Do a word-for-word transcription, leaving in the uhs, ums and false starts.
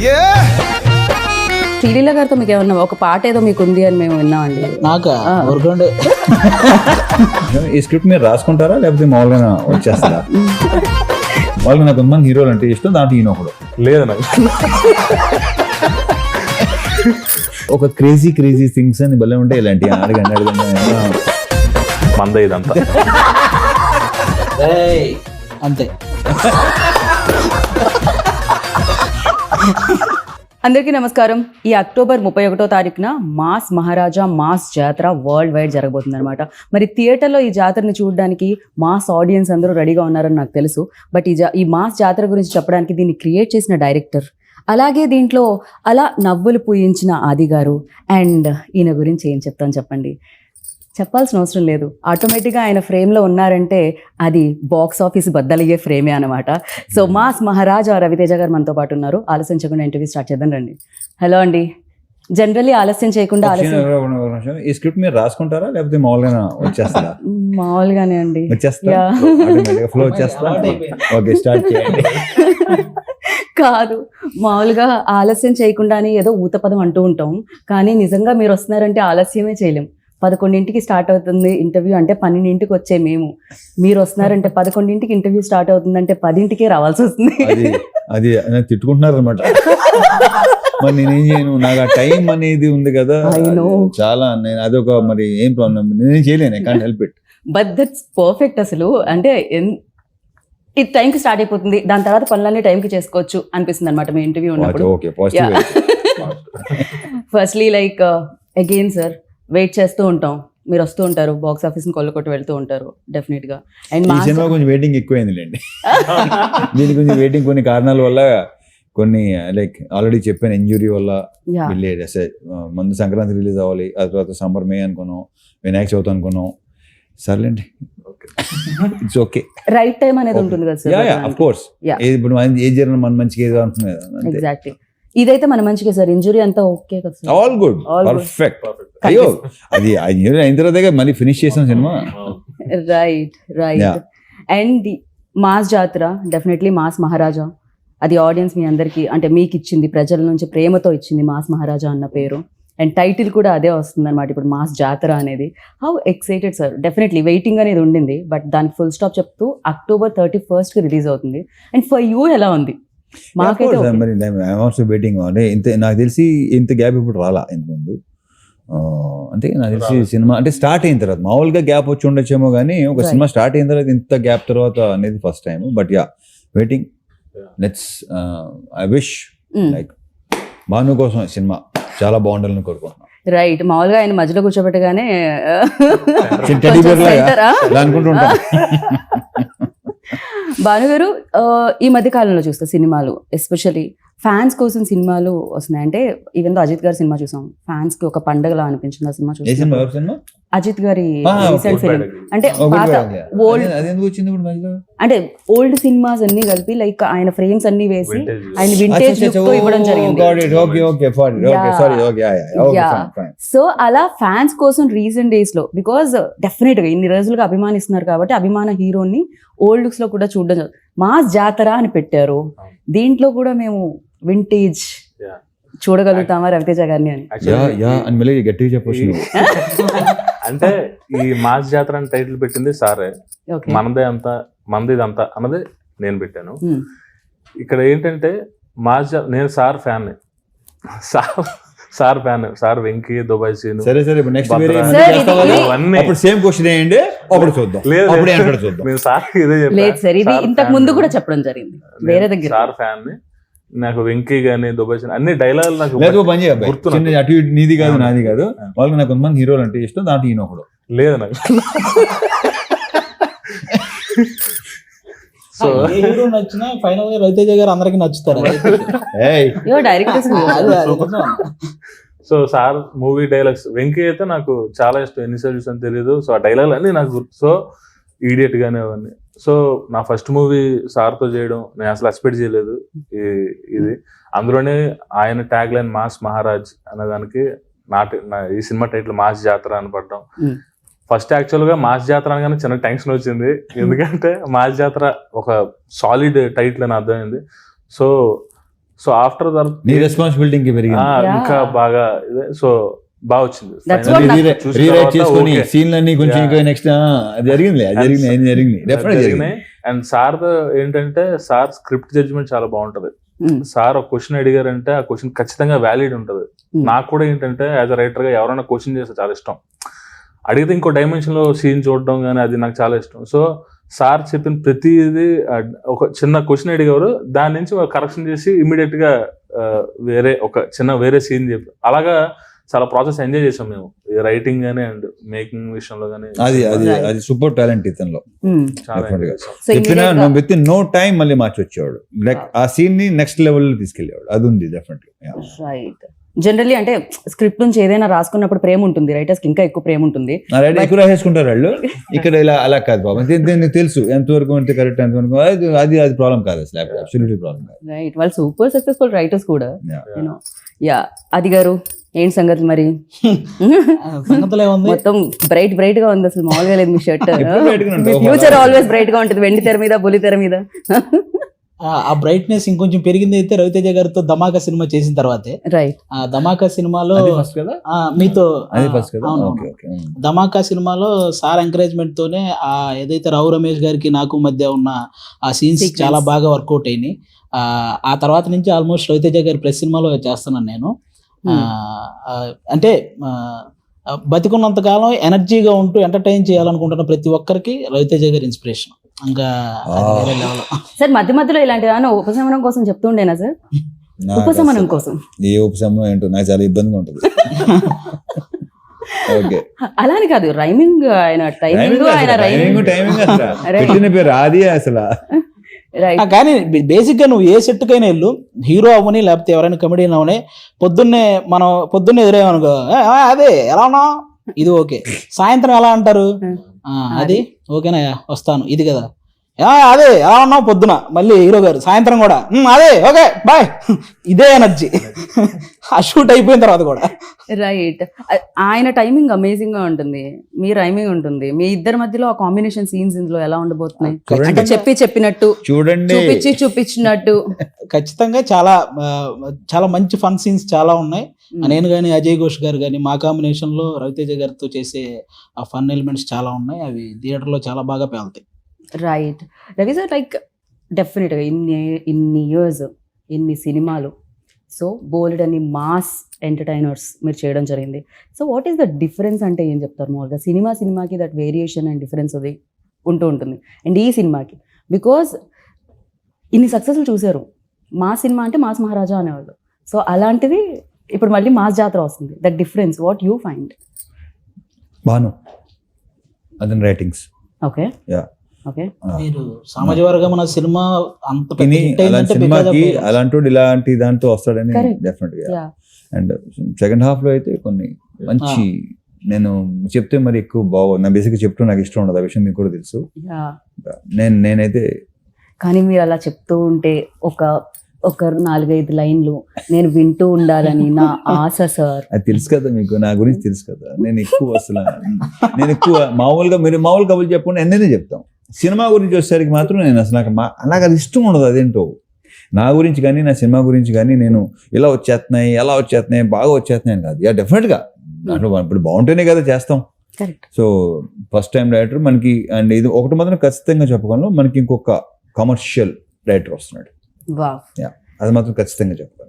శ్రీలీల గారితో మీకు ఏమన్నా ఒక పాట ఏదో మీకు ఉంది అని మేము విన్నామండి. నాకా ఊరుకోండి. ఈ స్క్రిప్ట్ మీరు రాసుకుంటారా లేకపోతే మామూలుగా వచ్చేస్తారా? వాళ్ళకి నాకు కొంతమంది హీరోలు అంటే ఇష్టం, దాంట్లో ఈయన ఒకడు. లేదు నాకు ఒక క్రేజీ క్రేజీ థింగ్స్ అని భలే ఉంటాయి ఇలాంటి. అడగండి అడగండి. మంద ఇదంతా ఏయ్, అంతే. అందరికీ నమస్కారం. ఈ అక్టోబర్ ముప్పై ఒకటో తారీఖున mass Maharaja mass Jathara world wide జరగబోతుంది అనమాట. మరి థియేటర్లో ఈ జాతరని చూడడానికి మాస్ ఆడియన్స్ అందరూ రెడీగా ఉన్నారని నాకు తెలుసు. బట్ ఈ జా ఈ మాస్ జాతర గురించి చెప్పడానికి దీన్ని క్రియేట్ చేసిన డైరెక్టర్, అలాగే దీంట్లో అలా నవ్వులు పూయించిన ఆది గారు, అండ్ ఈయన గురించి ఏం చెప్తాను చెప్పండి. చెప్పాల్సిన అవసరం లేదు. ఆటోమేటిక్గా ఆయన ఫ్రేమ్లో ఉన్నారంటే అది బాక్స్ ఆఫీస్ బద్దలయ్యే ఫ్రేమే అనమాట. సో మాస్ మహారాజా రవితేజ గారు మనతో పాటు ఉన్నారు. ఆలస్యం చేయకుండా ఇంటర్వ్యూ స్టార్ట్ చేద్దాం రండి. హలో అండి. జనరల్లీ ఆలస్యం చేయకుండా ఆలస్యం ఈ స్క్రిప్ట్ మీరు రాసుకుంటారా లేకపోతే మామూలుగా వచ్చేస్తారా? మామూలుగానే అండి. వచ్చేస్తా ఫ్లో వచ్చేస్తా. ఓకే, స్టార్ట్ చేయండి. కాదు, మామూలుగా ఆలస్యం చేయకుండానే ఏదో ఊతపదం అంటూ ఉంటాం, కానీ నిజంగా మీరు వస్తున్నారంటే ఆలస్యమే చేయలేం. పదకొండింటికి స్టార్ట్ అవుతుంది ఇంటర్వ్యూ అంటే పన్నెండింటికి వచ్చే మేము, మీరు వస్తున్నారంటే పదకొండింటికి ఇంటర్వ్యూ స్టార్ట్ అవుతుందంటే పదింటికే రావాల్సి వస్తుంది. అది అది తిట్టుకుంటున్నారు అనమాట. మరి నేనేం చేయను, నాకు ఆ టైం అనేది ఉంది కదా చాలా. నేను అదొక మరి ఏం ప్రాబ్లం, నేనేం చేయలేను. I can't help it. But that's perfect. అసలు అంటే ఇది టైంకి స్టార్ట్ అయిపోతుంది, దాని తర్వాత పనులన్నీ టైంకి చేసుకోవచ్చు అనిపిస్తుంది అనమాట మీ ఇంటర్వ్యూ ఉన్నప్పుడు. Firstly like again sir, wait చేస్తూ ఉంటాం, మీరు వస్తూ ఉంటారు, బాక్స్ ఆఫీస్ ని కొల్లకొట్టి వెళ్తూ ఉంటారు డెఫినెట్ గా. అండ్ ఈ సినిమా కొంచెం వెయిటింగ్ ఎక్కువైందిలేండి. దీనికి కొంచెం వెయిటింగ్ కొన్ని కారణాల వల్ల, కొన్ని లైక్ ఆల్రెడీ చెప్పాను, ఇంజురీ వల్ల వెళ్ళేది. ముందు సంక్రాంతి రిలీజ్ అవ్వాలి, ఆ తర్వాత సమ్మర్ మే అనుకున్నాం, వినాయక చవితి అనుకున్నాం. సర్లేండి, ఇట్స్ ఓకే. రైట్ టైం అనేది ఉంటుంది కదా సార్. ఆఫ్ కోర్స్, ఇప్పుడు ఏ జరిగిన మన మంచిగా ఏదో అంటున్నారు. ఎగ్జాక్ట్లీ, ఇదైతే మన మంచిగా సార్. ఇంజురీ అంతా ఓకే కదా సార్. All good, perfect. అయ్యో, అది ఇంజురీ అయిన తర్వాత మళ్ళీ ఫినిష్ చేసాం cinema. Right right. And mass Jathara definitely mass Maharaja, అది ఆడియన్స్ మీ అందరికి అంటే మీకు ఇచ్చింది, ప్రజల నుంచి ప్రేమతో ఇచ్చింది మాస్ మహారాజా అన్న పేరు. అండ్ టైటిల్ కూడా అదే వస్తుంది అనమాట ఇప్పుడు, మాస్ జాతర అనేది. How excited sir. Definitely waiting అనేది ఉండింది, బట్ దానికి ఫుల్ స్టాప్ చెప్తూ అక్టోబర్ థర్టీ ఫస్ట్ కి రిలీజ్ అవుతుంది. అండ్ ఫర్ యూ ఎలా ఉంది? మాకైతే వెయిటింగ్. ఇంత నాకు తెలిసి ఇంత గ్యాప్ ఇప్పుడు రాలా ఇంతకుముందు. అంటే నాకు తెలిసి సినిమా అంటే స్టార్ట్ అయిన తర్వాత, మామూలుగా గ్యాప్ వచ్చి ఉండొచ్చేమో కానీ ఒక సినిమా స్టార్ట్ అయిన తర్వాత ఇంత గ్యాప్ తర్వాత అనేది first time. But yeah, waiting. Let's I wish like Bhanu కోసం సినిమా చాలా బాగుండాలని కోరుకుంటున్నాను. రైట్. మామూలుగా ఆయన మధ్యలో కూర్చోబెట్టగానే అనుకుంటుంటా. భానుగారు, ఈ మధ్య కాలంలో చూస్తే సినిమాలు ఎస్పెషల్లీ ఫ్యాన్స్ కోసం సినిమాలు వస్తున్నాయి. అంటే ఈవెన్ దో అజిత్ గారి సినిమా చూసాం, ఫ్యాన్స్ కి ఒక పండగలా అనిపించింది ఆ సినిమా చూసాం. అజిత్ గారి రీసెంట్ ఫిల్మ్ అంటే పాత ఓల్డ్, అంటే ఓల్డ్ సినిమాస్ అన్ని కలిపి లైక్ ఆయన ఫ్రేమ్స్ అన్ని వేసి ఆయన వింటేజ్ లుక్ తో ఇవ్వడం జరిగింది. సో అలా ఫ్యాన్స్ కోసం రీసెంట్ డేస్ లో, బికాస్ డెఫినెట్ గా ఇన్ని రోజులుగా అభిమానిస్తున్నారు కాబట్టి అభిమాన హీరోని ఓల్డ్ లుక్స్ లో కూడా చూడడం. మాస్ జాతర అని పెట్టారు, దీంట్లో కూడా మేము వింటేజ్ చూడగలుగుతామా రవితేజ గారిని అని గట్టిగా చెప్పొచ్చు. అంటే ఈ మాస్ జాతర అని టైటిల్ పెట్టింది సారే. మనదే అంతా మనది ఇదంతా అన్నది నేను పెట్టాను. ఇక్కడ ఏంటంటే మాస్ జా నేను sir fan, sir sir fan, sir Venky, Dubai scene. సరే సరే, నెక్స్ట్ సేమ్ క్వశ్చన్ ఏంటి అప్పుడు చూద్దాం. నేను సార్ ఇదే చెప్పాను, ఇంతకు ముందు కూడా చెప్పడం జరిగింది వేరే దగ్గర. సార్ ఫ్యాన్, నాకు వెంకీ గానీ దుబాయ్ సీన్ అన్ని డైలాగులు నాకు గుర్తున్నాయి. అటు ఇటు నీది కాదు నాది కాదు, వాళ్ళకి నాకు కొంతమంది హీరోలు అంటే ఇష్టం, దాంట్లో ఈయన ఒకడు. లేదు నాకు. సో హీరో నచ్చినా ఫైనల్ గా రవితేజ గారు అందరికి నచ్చుతారు. So sir movie dialogues, Venky అయితే నాకు చాలా ఇష్టం, ఎన్నిసార్లు చూసాను తెలియదు. సో ఆ డైలాగులు అన్ని నాకు గుర్తు. సో ఈడియట్ గానే అవన్నీ. సో నా ఫస్ట్ మూవీ సార్తో చేయడం నేను అసలు ఎక్స్పెక్ట్ చేయలేదు. ఇది అందులోనే ఆయన ట్యాగ్ లైన్ మాస్ మహారాజ్ అనే దానికి నా ఈ సినిమా టైటిల్ మాస్ జాతర అని పడ్డం. ఫస్ట్ యాక్చువల్ గా మాస్ జాతర అనగానే చిన్న టెన్షన్ వచ్చింది, ఎందుకంటే మాస్ జాతర ఒక సాలిడ్ టైటిల్ అని అర్థమైంది. సో సో ఆఫ్టర్ నీ రెస్పాన్సిబిలిటీ ఇంకా పెరిగింది. ఇంకా బాగా ఇదే సో బాగా వచ్చింది. That's Finally what రీరైట్ చూసిన రీరైట్ తర్వాత చేసుకొని okay. సీన్లన్నీ కొంచెం Yeah. ఇంకా నెక్స్ట్ జరిగింది అది జరిగింది అది జరిగింది డెఫినెట్ జరిగింది. జరిగినాయి. అండ్ సార్ ఏంటంటే సార్ స్క్రిప్ట్ జడ్జ్మెంట్ చాలా బాగుంటది. Mm. సార్ ఒక క్వశ్చన్ అడిగారంటే ఆ క్వశ్చన్ ఖచ్చితంగా వ్యాలిడ్ ఉంటది. Mm. నాకు కూడా ఏంటంటే యాజ్ అ రైటర్ గా ఎవరైనా క్వశ్చన్ చేస్తే చాలా ఇష్టం. అడిగితే ఇంకో డైమెన్షన్ లో సీన్ చూడడం కానీ అది నాకు చాలా ఇష్టం. సో సార్ చెప్పిన ప్రతిదీ ఆ, ఒక చిన్న క్వశ్చన్ అడిగేవారు, దాని నుంచి కరెక్షన్ చేసి ఇమీడియట్ గా ఆ, వేరే ఒక చిన్న వేరే సీన్ చెప్పి అలాగా చాలా ప్రాసెస్ ఎంజాయ్ చేసాం మేము రైటింగ్ గానీ అండ్ మేకింగ్ విషయంలో గానీ. అది అది Right. అది సూపర్ టాలెంట్ ఇతనిలో. Hmm. చాలా Definitely. enjoy చేసాం. సో చెప్పిన immediate గా- విత్ ఇన్ నో టైం మళ్ళీ మార్చి వచ్చేవాడు. లైక్ ఆ సీన్ ని నెక్స్ట్ లెవెల్ లో తీసుకెళ్లేవాడు. అది ఉంది డెఫినెట్లీ. రైట్. జనరల్లీ అంటే స్క్రిప్ట్ నుంచి ఏదైనా రాసుకున్నప్పుడు ప్రేమ ఉంటుంది, రైటర్స్ కి ఇంకా ఎక్కువ ప్రేమ ఉంటుంది. రైట్ ఎక్కువ రాసేసుకుంటారు వాళ్ళు. ఇక్కడ ఇలా అలా కాదు బాబు, దీనికి తెలుసు ఎంతవరకు అంటే కరెక్ట్ ఎంతవరకు అది అది అది ప్రాబ్లం కాదు అసలు, అబ్సల్యూట్లీ ప్రాబ్లం కాదు. రైట్, వాళ్ళు సూపర్ సక్సెస్ఫుల్ రైటర్స్ కూడా. Yeah. You know yeah. అది గారు ఏంటి సంగతి మరి? సంగతులు ఏముంది, మొత్తం బ్రైట్ బ్రైట్ గా ఉంది, అసలు మామూలుగా లేదు మీ షర్ట్. ఎప్పుడు bright గా ఉంటుంది. ఫ్యూచర్ ఆల్వేస్ బ్రైట్ గా ఉంటుంది, వెండి తెర మీద బుల్లి తెర మీద. ఆ- ఆ బ్రైట్నెస్ ఇంకొంచెం పెరిగింది అయితే రవితేజ గారితో ధమాకా సినిమా చేసిన తర్వాతే. రైట్. ఆ ధమాకా సినిమాలో అది ఫస్ట్ కదా ఆ, మీతో అది ఆ, ఫస్ట్ కదా అవును, ఓకే అవును. ఓకే. ధమాకా సినిమాలో సార్ ఎంకరేజ్మెంట్ తోనే ఆ ఏదైతే రావు రమేష్ గారికి నాకు మధ్య ఉన్న ఆ సీన్స్ Sequence. చాలా బాగా వర్కౌట్ అయినాయి. ఆ ఆ తర్వాత నుంచి ఆల్మోస్ట్ రవితేజ గారి ప్రెస్ సినిమాలో చేస్తున్నాను నేను. ఆ, ఆ, అంటే ఆ, బతికున్నంత కాలం ఎనర్జీగా ఉంటూ ఎంటర్టైన్ చేయాలనుకుంటున్న ప్రతి ఒక్కరికి రవితేజ గారి ఇన్స్పిరేషన్. ఇంకా అది వేరే level. సార్ మధ్య మధ్యలో ఇలాంటి ఏమైనా ఉపశమనం కోసం చెప్తూ ఉండేనా సార్? నాకు ఉపశమనం అసలు కోసం. ఏ ఉపశమనం ఏంటో నాకు చాలా ఇబ్బందిగా ఉంటుంది. ఓకే అలాని కాదు, రైమింగ్ ఆయన టైమింగ్ ఆయన టైమింగ్ రైమింగ్. టైమింగ్ అసలు Right. పెట్టిన పేరు అది అసలు. రైట్. ఆ, కానీ బేసిక్ గా నువ్వు ఏ సెట్కైనా వెళ్ళు, హీరో అవ్వని లేకపోతే ఎవరైనా కమెడియన్ అవని, పొద్దున్నే మనం పొద్దున్నే ఎదురేమనుకో "ఏ, ఆ, అదే ఎలా ఉన్నావు ఇది ఓకే, సాయంత్రం ఎలా అంటారు "ఆ, అది ఓకేనా వస్తాను ఇది కదా, "ఆ, అదే ఎలా ఉన్నావు పొద్దున", మళ్ళీ హీరో గారు సాయంత్రం కూడా "ఉమ్, అదే ఓకే బాయ్", ఇదే ఎనర్జీ ఆ షూట్ అయిపోయిన తర్వాత కూడా. రైట్. ఆయన టైమింగ్ అమేజింగ్ గా ఉంటుంది, మీ రైమింగ్ ఉంటుంది, మీ ఇద్దరి మధ్యలో ఆ కాంబినేషన్ సీన్స్ ఇందులో ఎలా ఉండబోతున్నాయి? చూడండి. అంటే చెప్పి చెప్పినట్టు, చూడండి చూపించి చూపించినట్టు. ఖచ్చితంగా చాలా ఆ, చాలా మంచి ఫన్ సీన్స్ చాలా ఉన్నాయి. Hmm. నేను కానీ అజయ్ ఘోష్ గారు కానీ మా కాంబినేషన్ లో రవితేజ గారితో చేసే ఆ ఫన్ ఎలిమెంట్స్ చాలా ఉన్నాయి. అవి థియేటర్ లో చాలా బాగా పేలుతాయి. రైట్. రవి సార్, లైక్ డెఫినెట్గా ఇన్ని ఇన్ని ఇయర్స్ ఇన్ని సినిమాలు, సో బోల్డ్ అని మాస్ ఎంటర్టైనర్స్ మీరు చేయడం జరిగింది. So what is the difference అంటే ఏం చెప్తారు మామూలుగా? సినిమా సినిమాకి దట్ వేరియేషన్ అండ్ డిఫరెన్స్ అది ఉంటూ ఉంటుంది. అండ్ ఈ సినిమాకి బికాజ్ ఇన్ని సక్సెస్లు చూశారు, మాస్ సినిమా అంటే మాస్ మహారాజా అనేవాళ్ళు. సో అలాంటిది ఇప్పుడు మళ్ళీ మాస్ జాతర వస్తుంది. That difference what you find? Bhanu అతని రైటింగ్స్ ఓకే యా ఓకే. మీరు సామాజ వర్గం అన్న సినిమా అంత పెద్ద తిని hit అలాంటి అయిందంటే సినిమాకి because of- అలాంటి ఇలాంటి దాంతో వస్తాడని Correct. డెఫినెట్ గా. యా. అండ్ సెకండ్ హాఫ్ లో అయితే కొన్ని మంచి నేను చెప్తే మరి ఎక్కువ బాగు నా బేసిక్ చెప్తూ నాకు ఇష్టం ఉండదు, ఆ విషయం మీకు కూడా తెలుసు. యా. నేను నేనైతే కానీ మీరు అలా చెప్తూ ఉంటే ఒక ఒక నాలుగైదు లైన్లు నేను వింటూ ఉండాలని నా ఆశ సార్. అది తెలుసు కదా మీకు, నా గురించి తెలుసు కదా. నేను ఎక్కువ అసలు నేను ఎక్కువ మామూలుగా మీరు మామూలు కబుర్లు చెప్పకుండా ఎన్నైనా చెప్తాం. సినిమా గురించి వచ్చేసరికి మాత్రం నేను అసలు నాకు మా నాకు అది ఇష్టం ఉండదు. అదేంటో నా గురించి కానీ నా సినిమా గురించి కానీ నేను ఇలా వచ్చేస్తున్నాయి ఎలా వచ్చేస్తున్నాయి బాగా వచ్చేస్తున్నాయి అని కాదు. యా డెఫినెట్గా దాంట్లో ఇప్పుడు బాగుంటేనే కదా చేస్తాం. Correct. So first time director మనకి, అండ్ ఇది ఒకటి మాత్రం ఖచ్చితంగా చెప్పుకోను, మనకి ఇంకొక కమర్షియల్ డైరెక్టర్ వస్తున్నాడు. వావ్. అది మాత్రం ఖచ్చితంగా చెప్పాలి.